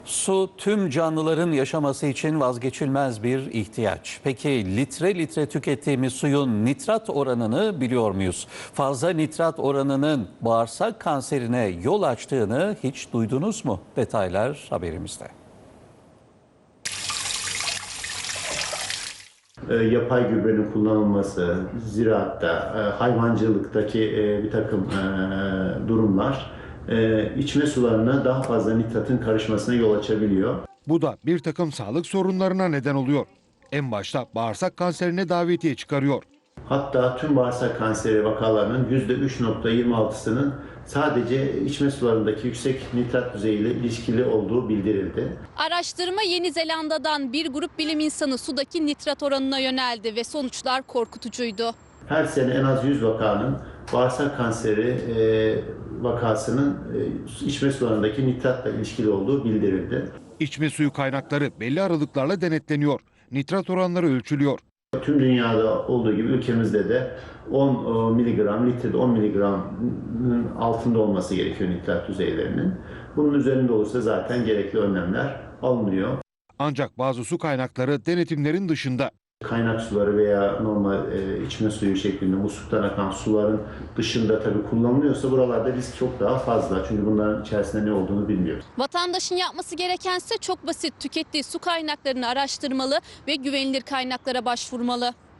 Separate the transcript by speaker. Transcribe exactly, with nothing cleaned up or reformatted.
Speaker 1: Su tüm canlıların yaşaması için vazgeçilmez bir ihtiyaç. Peki litre litre tükettiğimiz suyun nitrat oranını biliyor muyuz? Fazla nitrat oranının bağırsak kanserine yol açtığını hiç duydunuz mu? Detaylar haberimizde.
Speaker 2: E, yapay gübrenin kullanılması, ziraatta, e, hayvancılıktaki e, bir takım e, durumlar e, içme sularına daha fazla nitratın karışmasına yol açabiliyor.
Speaker 3: Bu da bir takım sağlık sorunlarına neden oluyor. En başta bağırsak kanserine davetiye çıkarıyor.
Speaker 2: Hatta tüm bağırsak kanseri vakalarının yüzde üç nokta yirmi altısının sadece içme sularındaki yüksek nitrat düzeyiyle ilişkili olduğu bildirildi.
Speaker 4: Araştırma Yeni Zelanda'dan bir grup bilim insanı sudaki nitrat oranına yöneldi ve sonuçlar korkutucuydu.
Speaker 2: Her sene en az yüz vakanın bağırsak kanseri e, vakasının e, içme sularındaki nitratla ilişkili olduğu bildirildi.
Speaker 3: İçme suyu kaynakları belli aralıklarla denetleniyor. Nitrat oranları ölçülüyor.
Speaker 2: Tüm dünyada olduğu gibi ülkemizde de on miligram, litrede on miligramın altında olması gerekiyor nitrat düzeylerinin. Bunun üzerinde olursa zaten gerekli önlemler alınıyor.
Speaker 3: Ancak bazı su kaynakları denetimlerin dışında.
Speaker 2: Kaynak suları veya normal e, içme suyu şeklinde musluktan akan suların dışında tabii kullanılıyorsa buralarda risk çok daha fazla. Çünkü bunların içerisinde ne olduğunu bilmiyoruz.
Speaker 4: Vatandaşın yapması gerekense çok basit: tükettiği su kaynaklarını araştırmalı ve güvenilir kaynaklara başvurmalı.